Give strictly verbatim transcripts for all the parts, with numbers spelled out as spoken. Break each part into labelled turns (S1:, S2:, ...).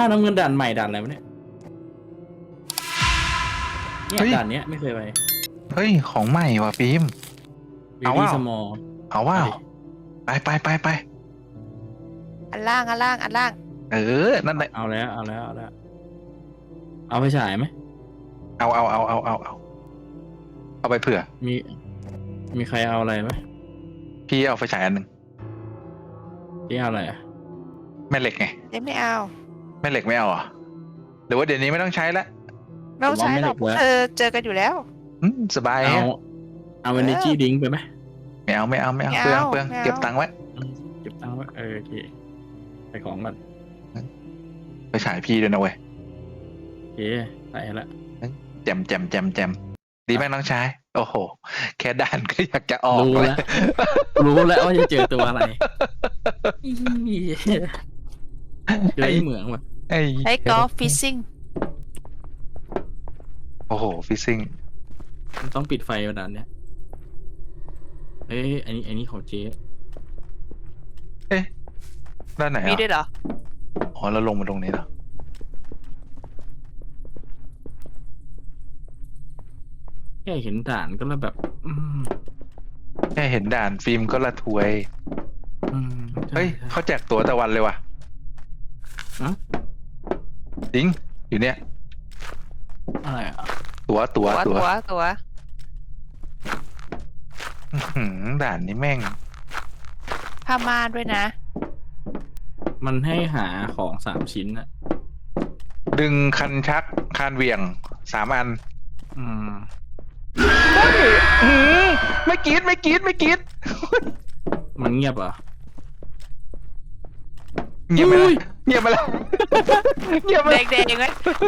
S1: น้ำเงินด่านใหม่ด่านอะไรวะเนี่ยเนี่ยด่านเนี้ยไม่เคยไป
S2: เฮ้ยของใหม่ว่ะฟิล์มเอาว่า
S1: สมอล
S2: เอาว่าไปไปไปไป
S3: อันล่างอันล่างอันล่าง
S2: เออนั่นแหละ
S1: เอาแล้วเอาแล้วเอาแล้วเอาไปฉายไหม
S2: เอาเอาเอาเอาเอาเอาเอาไปเผื่อ
S1: มีมีใครเอาอะไรไหม
S2: พี่เอาไฟฉายอันหนึ่ง
S1: ที่เอาอะไรอ่ะ
S2: แม่เหล็กไง
S3: เดี๋ยวไม่เอา
S2: แม่เหล็กไม่เอาเหรอหรือว่าเดี๋ยวนี้ไม่ต้องใช้ละ
S3: ไม่ต้องใช้หรอกเออเจอกันอยู่แล้ว
S2: อืมสบาย
S1: เอา
S2: ฮะ
S1: เอาเอเนจีดิงไปไหม
S2: ไม่เอาไม่เอาไม่เอา
S3: ไม่
S2: เปลือง
S3: เอา
S2: เปลือง
S3: ไม่เอา
S2: เก็บตังค์ไว้
S1: เก็บตังค์ไว้เออโอเคไปของก่อน
S2: ไปฉายพี่ด้วยนะเว้ย
S1: โอเคใส่ละ
S2: แจมแจมแจมแจมดีไหมน้องชายโอ้โหแค่ด่านก็อยากจะออก
S1: รู้
S2: เล
S1: แล้
S2: ยว
S1: รู้แล้วว่าจะเจอตัวอะไรเจอไอ้เหมืองว่ะ
S2: ไอ้
S3: ใช้กอล์ฟฟิชซิ่ง
S2: โอ้โหฟิซซิ่ง
S1: มันต้องปิดไฟวันนั้นเนี่ยเอ้ยอันนี้อันนี้ของเจ๊
S2: เอ๊ะด้านไหน
S3: มี
S2: อ่ะ
S3: ด้วยเหรอ
S2: อ๋อเราลงมาตรงนี้เหรอ
S1: แค่เห็นด่านก็แล้วแบบ อืม
S2: แค่เห็นด่านฟิล์มก็ละทวย
S1: อืมใช่
S2: เฮ้ย
S1: ใช่
S2: เขาแจกตั๋วตะวันเลยว่ะ
S1: ฮะ
S2: จริงอยู่เนี่ย
S1: อะไรอ่ะ
S2: ตั๋วตั๋ว
S3: ตัว
S2: ตั๋ว
S3: ตัวตัว
S2: อื้อหือด่านนี้แม่ง
S3: ผ้าม่านด้วยนะ
S1: มันให้หาของสามชิ้นอะ
S2: ดึงคันชักคานเหวี่ยงสามอัน
S1: อืม
S2: อื้อไม่กรีดไม่กรีดไม่กรีด
S1: มันเงียบเหรอ
S2: เงียบไปแล้ว
S1: อุ้ย
S2: เงียบไปแล้วเงียบไป
S3: เด็
S2: แล้ว
S3: กเด็กไหม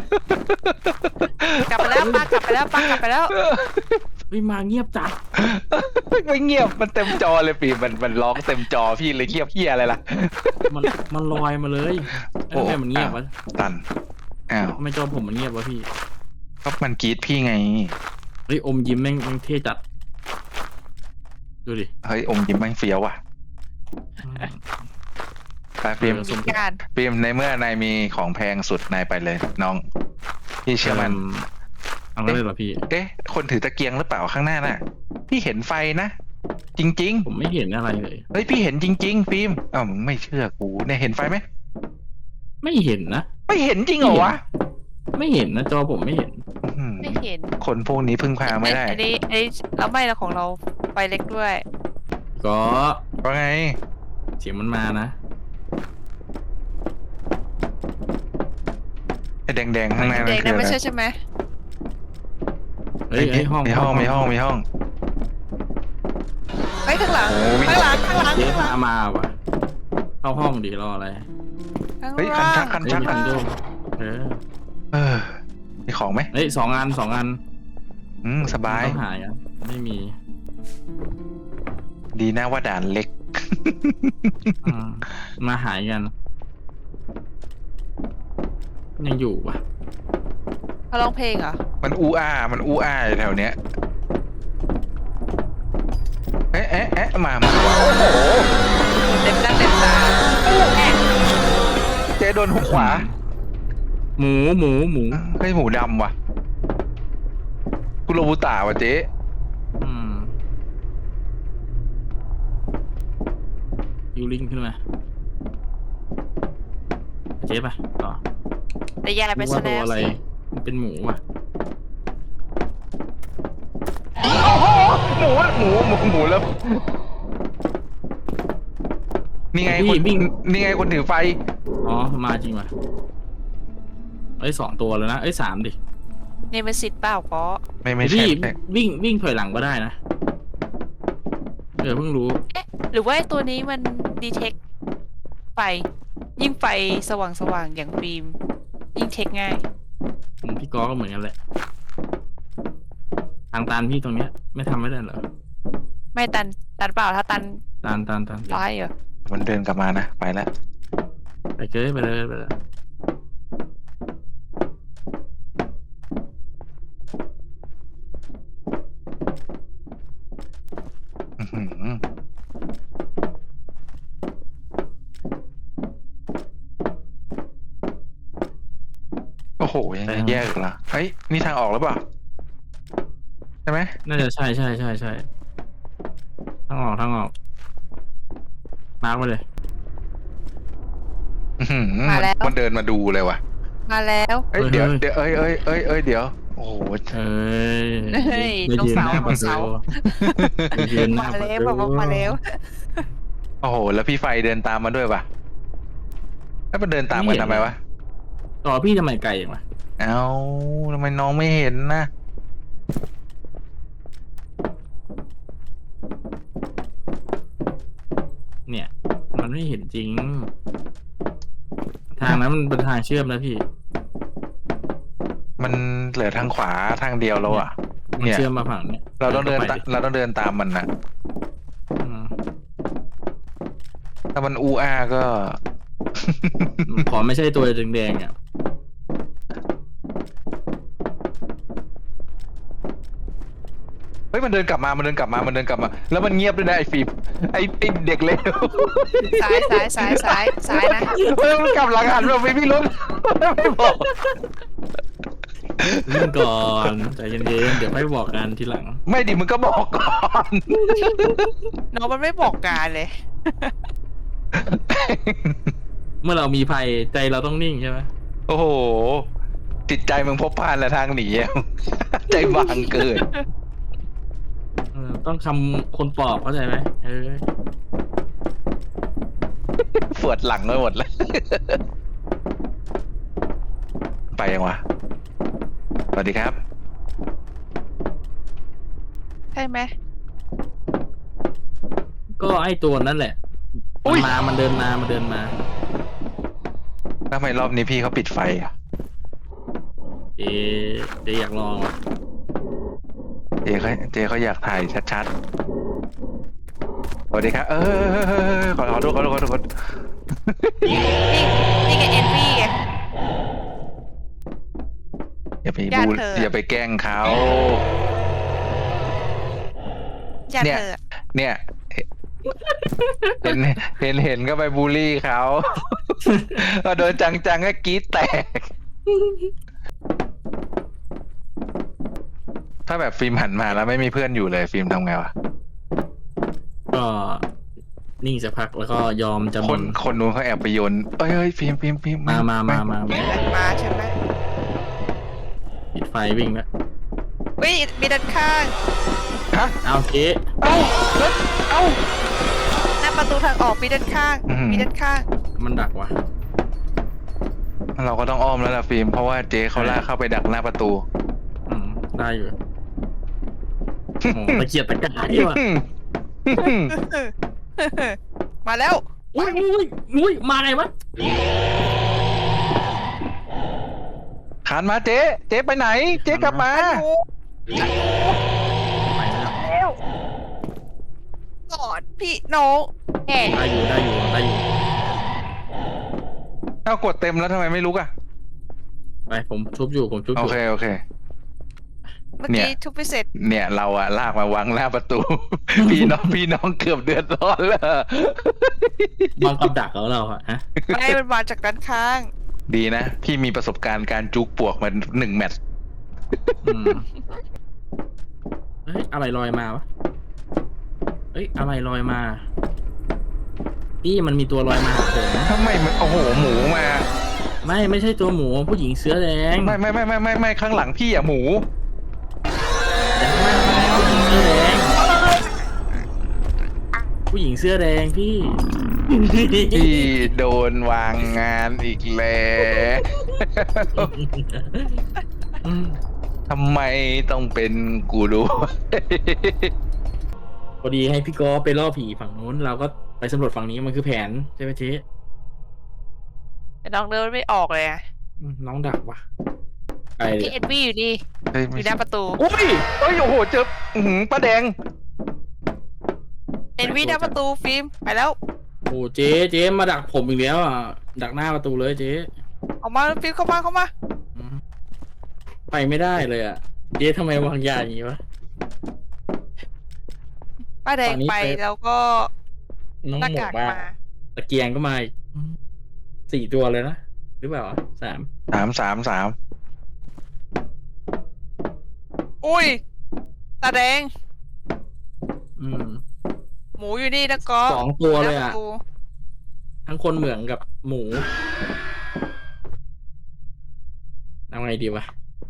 S3: กลับไปแล้วป้ากลับไปแล้วป้ากลับไปแล้ว
S1: เฮ้ยมาเงียบจัด
S2: ไม่เงียบมันเต็มจอเลยปีมันมันร้องเต็มจอพี่เลยเงียบเฮียอะไรล่ะ
S1: มันมันลอยมาเลยเอ้ยทำไมมันเงียบวะ
S2: ตันอ้าว
S1: ทำไมจอผมมันเงียบวะพี่
S2: ก็มันกรีดพี่ไง
S1: เฮ้ยอมยิ้มแม่งแม่งเท่จัดดูดิ
S2: เฮ้ยอมยิ้มแม่งเฟี้ยวว่ะ
S1: อืม
S2: ไปฟิล์ม
S1: เออสม
S3: การ
S2: ฟิล์มในเมื่อนายมีของแพงสุดนายไปเลย น้องพี่เชื่อมัน
S1: เอาเลยเหรอพี่
S2: เอ๊ะ คนถือตะเกียงหรือเปล่าข้างหน้าน่ะ พี่เห็นไฟนะ จริง
S1: ผมไม่เห็นอะไรเลย
S2: ๆ เฮ้ย พี่เห็นจริง ๆ ฟิล์มอ้าวมึงไม่เชื่อกูเนี่ยเห็นไฟไหม
S1: ไม่เห็นนะ
S2: ไม่เห็นจริงเหรอวะ
S1: ไม่เห็นนะจอผมไม่เห็น
S2: อื้อหือ
S3: ไม่เห็น
S2: คนพวกนี้พึ่งพาไม่ได้
S3: อันนี้อันนี้เราไม่เราของเราไฟเล็กด้วย
S1: ก็
S2: ว่าไง
S1: เสียงมันมานะ
S2: ไอ้แดงๆข้างหน้า
S3: เด็
S2: นั่
S3: ก
S2: นคื
S3: นั่
S2: อน อะไร
S3: ไม่ใช่ใช่ไหม
S1: เฮ้ยเฮ้ยห้อง
S2: มีห้องมีห้องมีห้อง
S3: เฮ้ยข้างหลัง
S2: โอ้วิ่ง
S3: ข้างหลังข้างหลัง
S1: เจ๊
S3: ข้างห
S1: พา
S3: ลัง
S1: มาว่ะเข้าห้องดีรออะไร
S3: ข้าง
S2: เฮ้ยคัน
S3: ล่า
S2: ชั
S3: ง
S2: กคัน
S1: เฮ้ย
S2: ชัก
S1: มี
S2: คั
S1: คั
S2: น
S1: นโดเออ
S2: เออมีของไหม
S1: เฮ้ยสองอันสองอัน
S2: อืมสบาย
S1: ต้องหายอ่ะไม่มี
S2: ดีนะว่าด่านเล็ก
S1: อืมมาหายกัน ยังอยู่ว่ะ
S3: เขาร้องเพลงเหรอ
S2: มันอูอามันอูอาอยู่แถวเนี้ยเอ๊ะเอ๊ะเอ๊ะมามาว่ะโอ้โห
S3: เต็มหน้าเต็มตาแม่
S2: เจ๊โดนหุกขวา
S1: หมูหมูหมู
S2: เฮ้ยหมูดำว่ะกุโรบุตะว่ะเจ๊
S1: อืมยูริงขึ้นมาเจ๊ไปต่อ
S3: แต่ยายไป
S1: รู้
S3: ซะ
S1: ว่าตั
S3: แล้ว ว
S1: อะไร
S3: สิ
S1: มันเป็นหมูว่ะ
S2: โอ้โหหมูหมูหมูหมูแล้วนี่ไงคนนี่ไงคนถือไฟ
S1: อ๋อมาจริงว่ะเอ้ยสองตัวแล้วนะเอ้ยสามดิ
S3: นี่มันสิทธิ์เปล่าก็
S2: ไม่ไม่ใช่
S1: พี่
S2: ไม่
S1: วิ่งวิ่งถอยหลังก็ได้นะเออเพิ่งรู้
S3: เอ๊ะหรือว่าไอ้ตัวนี้มันดีเทคไฟยิ่งไฟสว่างสว่างๆอย่างฟิล์มยิ่งเทคง่าย
S1: ผมพี่กอก็เหมือนกันแหละทางตันพี่ตรงเนี้ย ไม่ทำไม่ได้เหรอ
S3: ไม่ตันตันเปล่าถ้าตัน
S1: ตันตันตัน
S3: ร้ายเหรอ
S2: มันเดินกลับมานะไปแล้ว
S1: ไปเกยไปเลยไปเลย
S2: อื้อหือโอ้โหยังจะแยกอีกเหรอเฮ้ยนี่ทางออกหรือเปล่าใช่ไหม
S1: น่าจะใช่ใช่ใช่ใช่ทางออกทางออกมาร์กไปเลย
S2: อื้อหือ
S3: มาแล้ว
S2: มันเดินมาดูเลยว่ะ
S3: มาแล้ว
S2: เอ้ยเดี๋ยวเดี๋ยวเอ้ยเอ้ยเอ้ยเอ้ยเดี๋ยวโอ้โห
S1: เอ้ย
S3: เฮ้ย
S1: ไม่
S3: ตรง
S1: ยืน
S3: เสา
S1: หน้า
S3: ต
S1: ป
S3: ร
S1: ระ
S3: งเสา
S1: ตูไม่ยืนหน้า
S3: มา
S1: ประ
S3: แล้ว
S1: ตู
S3: บอกว่ามาแล้ว
S2: โอ้โห แล้วพี่ไฟเดินตามมาด้วยป่ะแล้วมันเดินตามกันทำไมวะ
S1: ต่อพี่ทำไมไกลอย่างวะ
S2: เอ้าทำไมน้องไม่เห็นนะ
S1: เนี่ย มันไม่เห็นจริง ทางนั้นมันเป็นทางเชื่อมนะพี่
S2: มันเหลือทางขวาทางเดียวแล้วอ่ะ
S1: มัน
S2: เนี่ย
S1: เชื่อมมาฝั่งเนี้ย
S2: เราต้องเดิน
S1: ไป
S2: ตาเราต้องเดินตามมันนะ
S1: อืม
S2: ถ้ามันอูอาก็
S1: ขอไม่ใช่ตัวแดงๆอ่ะ
S2: เฮ้ยมันเดินกลับมา มันเดินกลับมา มันเดินกลับมา แล้วมันเงียบด้วยนะไอ้ฟิล์มไอ้ไอ้เด็กเลว
S3: ซ้ายซ้ายซ้ายซ้ายซ้ายนะ
S2: เฮ้ยมันกลับหลังหันมาไม่พี่รถไม่บอก
S1: เรื่องก่อนใจเย็นๆเดี๋ยวค่อยบอกกันทีหลัง
S2: ไม่ดิมึงก็บอกก่อน
S3: น้องมันไม่บอกการเลย
S1: เมื่อเรามีภัยใจเราต้องนิ่งใช่ไหม
S2: โอ้โห จิตใจมึงพบพานและทางหนีอะ ใจบางเกิน
S1: เออต้องคำคนปลอบเข้าใจไหมเออ
S2: ปวดหลังไปหมดแล้ว ไปยังวะ สวัสดีครับ
S3: ใช่ไหม
S1: ก็ไอ้ตัวนั่นแหละ
S2: อุ๊
S1: มัน
S2: ย
S1: มามันเดินมามันเดินมา
S2: ทำไมรอบนี้พี่เขาปิดไฟอ่ะ
S1: เจ๊เจ๊อยากลองอ่ะ
S2: เจเขาเจเขาอยากถ่ายชัดๆ สวัสดีครับ เออขอขอโทษขอโทษขอโทษขอโทษ
S3: นี่นี่ไงเอ็นวี่ไง
S2: อย่าไป
S3: ญาติ
S2: บู
S3: เธอ
S2: อย่าไปแกล้งเขา
S3: ญาติ
S2: เนี่ย
S3: เธอ
S2: เนี่ยเห็นเห็นเห็นก็ไปบูลลี่เขา ก็โดนจังๆก็กรี๊ดแตก ถ้าแบบฟิล์มหันมาแล้วไม่มีเพื่อนอยู่เลยฟิล์มทำไงวะ
S1: ก็นิ่งสักพักแล้วก็ยอมจำ
S2: คน
S1: น
S2: คนนู้นเขาแอบไปโยนเอ้ยเอ้ยฟิล์มฟิล์มฟิล์ม
S1: มามามามา
S3: มีดันมาใช่ไหม
S1: ปิดไฟวิ่งแล้ว
S3: วิมีด้านข้าง
S2: ฮะ
S1: เอาเจ๊
S2: เอ้าแล้วเอ้า
S3: หน้าประตูทางออกมีด้านข้าง
S2: อื้อหือ
S3: มีด้านข้าง
S1: มันดักว่ะ
S2: เราก็ต้องอ้อมแล้วล่ะฟิล์มเพราะว่าเจ๊เขาลากเข้าไปดักหน้าประตู
S1: อืมได้อยู่โอ้โหตะเกียบตะกายว่ะ
S3: มาแล้ว
S1: อุ้ยอุ้ยอุ้ยมาไงวะ
S2: ขานมาเจ๊เจ๊ไปไหน เจ๊กลับมา
S1: ไปแล้ว
S3: แล้วกอดพี่น้องแห่
S1: ได้อยู่ได้อยู่ได้อยู่
S2: เอากดเต็มแล้วทำไมไม่ลุกอ่ะ
S1: ไปผมชุบอยู่ผมชุบอ
S2: โอยู่ เคโอเค
S3: เมื่อ
S2: เนี่
S3: กี้
S2: ย
S3: ทุบพิเศษ
S2: เนี่ยเราอะลากมาวางหน้าประตู พี่น้องพี่น้องเกือบเดือดร้อนแล้ว
S1: บางกับดักของเราอะฮะ
S3: ไม่มันมาจากด้านข้าง
S2: ดีนะ พี่มีประสบการณ์การจุกปวกมาหนึ่งแมตช์
S1: อืมเฮ้ยอะไรลอยมาวะเฮ้ยอะไรลอยมานี่มันมีตัวลอยมาหาผม
S2: ทำไมมันโอ้โหหมูมา
S1: ไม่ไม่ใช่ตัวหมูผู้หญิงเสื้อแดง
S2: ไม่ไม่ไม่ไม่ไม่ไม่ข้างหลังพี่อะหมู
S1: แต่ข้างหน้าผู้หญิงเสื้อแดงผู้หญิงเสื้อแดงพี่
S2: พี่โดนวางงานอีกแล้ว
S1: อืม
S2: ทำไมต้องเป็นกูด้วย
S1: พอดีให้พี่กอไปล่อผีฝั่งนู้นเราก็ไปสำรวจฝั่งนี้มันคือแผนใช่ไหมเจ๊
S3: แต่น้องเดินไม่ออกเลยอะ
S1: อืมน้องดักว่ะไปเล
S3: พี่
S1: ย
S3: เอ็นวี่อยู่นี่
S2: เฮ้ย
S3: อ
S2: ไม่
S3: ยู่หน้าประตู
S2: โอ้ยโอ้ยโอ้โหเจออื้อหือป้าแดง
S3: เอ็นวี่หน้าประตูฟิล์มไปแล้ว
S1: โอ้เจ๊เจ๊มาดักผมอีกแล้วอ่ะดักหน้าประตูเลยเจ๊
S3: ออกมาฟิล์มเข้ามาเข้ามา
S1: อืมไปไม่ได้เลยอ่ะเจ๊ทำไมวางยาอย่างนี้วะ
S3: ป้าแดง
S1: ตอนนี้
S3: ไป
S1: ไป
S3: แล้วก็
S1: น้อง
S3: หน้า
S1: หมว
S3: กาก ก
S1: มา
S3: มา
S1: ตะเกียงก็มาอีกสี่ตัวเลยนะหรือเปล่าสาม
S2: สามสามสาม
S3: อุ้ยตาแดง
S1: อืม
S3: หมูอยู่นี่นะก็
S1: สองตัวเลย
S3: หน้า
S1: อ่ะ
S3: ประตู
S1: ทั้งคนเหมืองกับหมูเอาไงดีวะ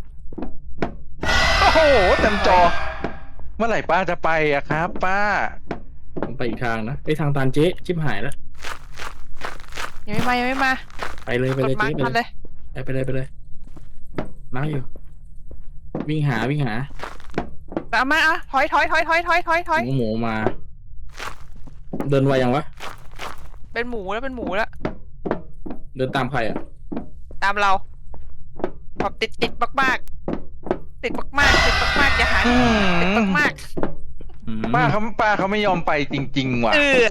S2: โอ้โหเต็มจอ เมื่อไหร่ป้าจะไปอะครับ ป้า
S1: ผมไปอีกทางนะไอ้ยทางตันเจ๊ชิบหายแล้ว
S3: ยังไม่มายังไม่มา
S1: ไปเลยไป
S3: ก
S1: เล
S3: ด
S1: ย
S3: มา
S1: เจ๊
S3: ร์ก
S1: ไป
S3: มัน
S1: เล
S3: เลย ย
S1: ไปเลยไปเลยมาอยู่ วิ่งหาวิ่งหา
S3: ตามมาอ่ะถอยถอยถอยถอยถอยถอยถอย
S1: หมูหมูมา เดินไวยังวะ
S3: เป็นหมูแล้วเป็นหมูแล้ว
S1: เดินตามใครอ่ะ
S3: ตามเราแบบติดติดมากมากๆติดมากมากๆติดมากมากๆอย่าหา
S2: อืม
S3: ติดมากมาก
S1: อืม
S2: ป้าเขาป้าเขาไม่ยอมไปจริง ๆ ว่ะ
S3: ๆเออ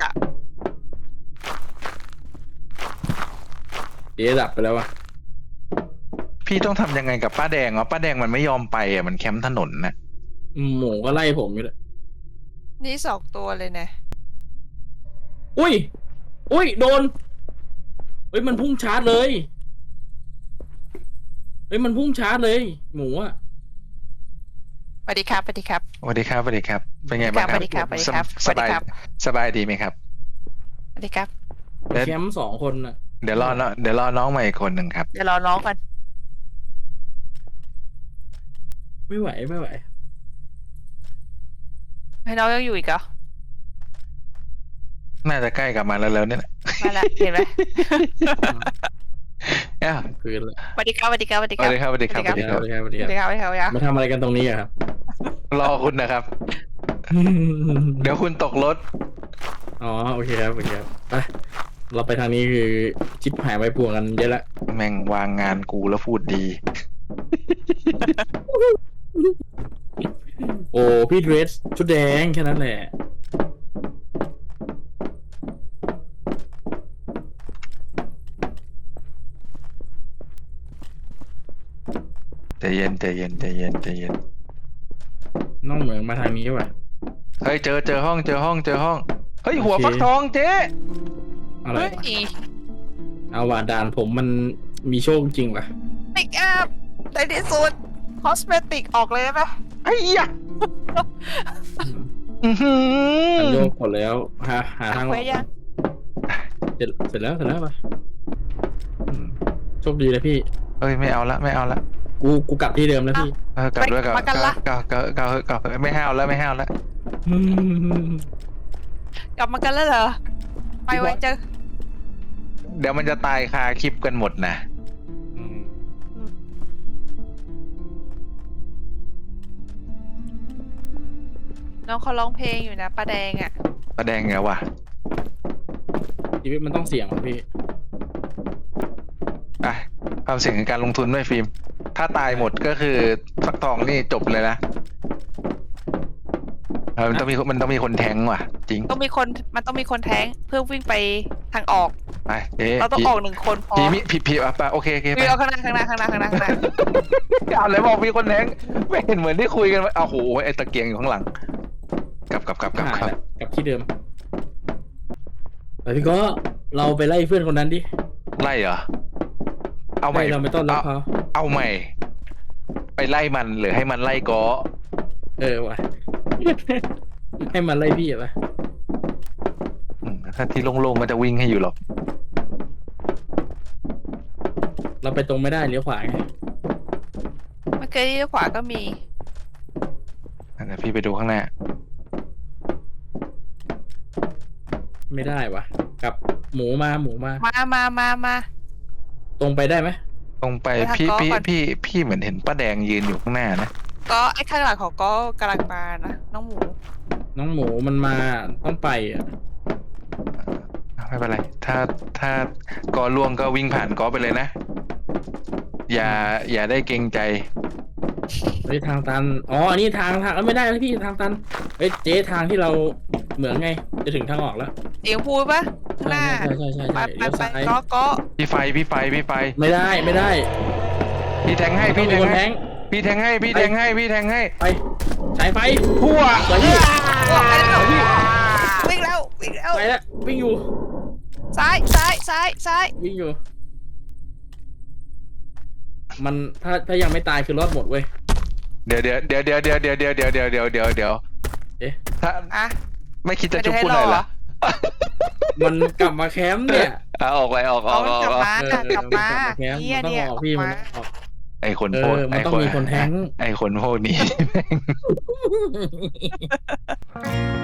S1: เจ๊ดับไปแล้ววะ
S2: พี่ต้องทำยังไงกับป้าแดงวะป้าแดงมันไม่ยอมไปอ่ะมันแคมป์ถนนนะ
S1: หมูก็ไล่ผมอยู่เลย
S3: นี่สองตัวเลยนะ
S1: อุ้ย อุ้ย โดน เฮ้ย มันพุ่งชาร์จเลย เฮ้ย มันพุ่งชาร์จเลย หมูอะ
S3: สวัสดีครับสวัสดีครับ
S2: สวัสดีครับสวัสดีครับ เป็นไงบ้างค
S3: ส
S2: รั
S3: วั
S2: บ
S3: สดีครับสวัสดีครับ
S2: ส
S3: สวัสดี
S2: บาย
S3: ครับ
S2: สบายดีไหมครับ
S3: สวัสดีครับ
S2: เดี๋ยว
S1: แคมป์สองคนอะ
S2: เดี๋ยวรอน้องเดี๋ยวรอน้องใหม่อีกคนหนึ่งครับ
S3: เดี๋ยวรอน้องก่อน
S1: ไม่ไหวไม่ไหว
S3: ให้น้องยังอยู่อีกเหรอ
S2: น่าจะใกล้กลับมาแล้วแล้วเนี่ย
S3: มาละเห็นไหม
S2: อ้าว
S1: คืนละ
S3: สวัสดีครับสวัสดีครับสวัสดี
S2: ส
S3: ค
S2: วั
S3: รั
S2: ส
S3: บ
S2: ดีครับสวัสดีครับ
S1: สวัสดีครับสวัสดีครับสวัส
S3: ส
S1: ดี
S3: วัสดี
S1: ครับ
S3: ครับสวัสดีครับสวัสดีครับ
S1: มาทำอะไรกันตรงนี้อะครับ
S2: รอคุณนะครับ เดี๋ยวคุณตกรถ
S1: อ๋อ โอเคครับ โอเคครับ ไป เราไปทางนี้คือชิปหายไว้ปวงกันเยอะละ
S2: แม่งวางงานกูแล้วพูดดี
S1: โอ้พี่เดรสชุดแดงแค่นั้นแหละ
S2: ใจเย็นใจเย็นใจเย็นใจเย็น
S1: น้องเหมืองมาทางนี้ป่ะ
S2: เฮ้ยเจอเจอห้องเจอห้องเจอห้อง เฮ้ย
S1: โอเค
S2: หัวฟักทองเจ๊
S1: อะไร
S3: เฮ้ยว
S1: ะเอาว่าด่านผมมันมีโชคจริงป่ะ
S3: ปิกอัพในที่สุดคอสเมติกออกเลยได้ไหม
S2: ไอ้ยะอื้อหื
S1: มัน
S2: อ
S1: โยกหมดแล้วหาหาทางอ
S3: เคว
S1: อก
S3: สยัง
S1: เสร็จเสร็จแล้วเสร็จแล้วป่ะอืมโชคดีเลยพี่
S2: เอ้ยไม่เอาละไม่เอาละ
S1: กูกูกลับที่เดิมแล้วพี่
S2: เออกลับด้วยกลับกลับกลับกลับกลับกลับกลับไม่ห้าวแล้วไม่ห้าวแล้ว
S1: อืม
S3: กลับมากันแล้วเหรอ ไปไว้เจอ
S2: เดี๋ยวมันจะตายคาคลิปกันหมดนะ
S1: อืม
S3: น้องเขาร้องเพลงอยู่นะป้าแดงอ่ะ
S2: ประแดงไงวะ
S1: ชีวิตมันต้องเสี่ยงว่ะพี่
S2: อ่ะความเสี่ยงในการลงทุนด้วยฟิล์ม ถ้าตายหมดก็คือฟักทองนี่จบเลยนะเออมันต้องมีมันต้องมีคนแทงว่ะ จริง
S3: ต้องมีคนมันต้องมีคนแท้งเพื่อวิ่งไปทางออก
S2: ไปเอ๊ะ
S3: เราต้อง
S2: พี่
S3: ออกหนึ่งคนพอ
S2: พี่มิพี่พี่อ่ะไปโอเคโอเคไป
S3: วิ่งเอาข้างหน้าข้างหน้าข้างหน้าข้างหน้าข้างหน้า
S2: เอาเลยบอกมีคนแทงไม่เห็นเหมือนที่คุยกันไว้เอาโหไอ้ตะเกียงอยู่ข้างหลัง กลับกลับกลับกลับ
S1: หาย
S2: กลับ
S1: แล้วกลับที่เดิมแต่พี่ก็เราไปไล่เพื่อนคนนั้นดิ
S2: ไล่เหรอ เอาใหม่
S1: ไล่เราไม่ต้อนรับ
S2: เอา
S1: เขา
S2: เอาใหม่ ไปไล่มันหรือให้มันไล่กอ
S1: เออว่ะ ให้มันไล่พี่อะปะ
S2: อืมถ้าที่โล่งๆก็จะวิ่งให้อยู่หรอก
S1: เราไปตรงไม่ได้เลี้ยวขวาไง
S3: เมื่อกี้ที่ขวาก็มี
S2: เดี๋ยวพี่ไปดูข้างหน้า
S1: ไม่ได้วะกลับหมูมาหมูมา
S3: มามามามา
S1: ตรงไปได้ไหม
S2: ตรงไป
S3: ไปทาง
S2: พี่
S3: กอ
S2: พี่
S3: ก่อน
S2: พี่พี่เหมือนเห็นป้าแดงยืนอยู่ข้างหน้านะ
S3: ก็ไอ้ข้างหลังของก็กำลังมานะน้องหมู
S1: น้องหมูมันมาต้องไปอ่ะ
S2: ไม่เป็นไร ถ้าถ้ากอล่วงก็วิ่งผ่านกอไปเลยนะ อย่าอย่าได้เกรงใจ
S1: เฮ้ยทางตันอ๋ออันนี้ทางทางเอ้ยไม่ได้แล้วพี่ทางตันเฮ้ยเจ๊ทางที่เราเหมืองไง จะถึงทางออกแล้ว
S3: เสียงพูดปะข้างหน้า
S1: ใช่ใช่ใช่
S3: ไป
S1: ใช่
S3: ไป
S1: เลี้ยว
S3: ไป
S1: ซ้าย
S3: ก็ก็
S2: พี่ไฟพี่ไฟพี่ไฟ
S1: ไม่ได้ไม่ได้
S2: พี่แทงให้
S1: ต้อ
S2: พี่
S1: ง
S2: แท
S1: มี
S2: ง
S1: คนแท
S2: ให้
S1: ง
S2: พี่แทงให้พี่แทงให้พี่แทงให้
S1: ไปสายไฟ
S2: พัว
S1: สวยพี่
S3: ออกไปแล้ววิ่งแล้ววิ่งแล้ว
S1: ไปแล้ววิ่งอยู่
S3: ซ้ายซ้ายซ้ายซ้าย
S1: วิ่งอยู่มันถ้าถ้ายังไม่ตายคือรอดหมดเว้ย
S2: เดี๋ยวเดี๋ยวเดี๋ยวเดี๋ยวเดี๋ยวเดี๋ยวเดี๋ยวเดี๋ยวเดี๋ยวเดี๋ยวเดี๋ยวเดี๋ยว
S1: เอ๊ะ
S2: ถ้า
S3: อ่ะ
S2: ไม่คิดจะ
S3: ไม่
S2: จุบ
S3: ได้
S2: พูดหน่อย
S3: ให้รอ
S2: เหรอ
S1: มันกลับมาแคมป์เนี่ย
S2: อ่ะออกไปออกอ
S3: เอา
S2: อกอ
S3: มัน
S2: อก
S3: กลับ
S2: ออก
S3: มา
S1: เออก
S3: ลับมา
S1: แคมป์
S3: เนี่ย
S1: มันต้อง
S3: เนี่ย
S1: ออก
S3: อ
S1: พี่
S3: อก
S1: มัน
S3: มา
S1: ต้องออก
S2: ไอคน
S1: เออ
S2: พวก
S1: มันต้องมีคนแท้ง
S2: ไอคนพวกนี้แม่ง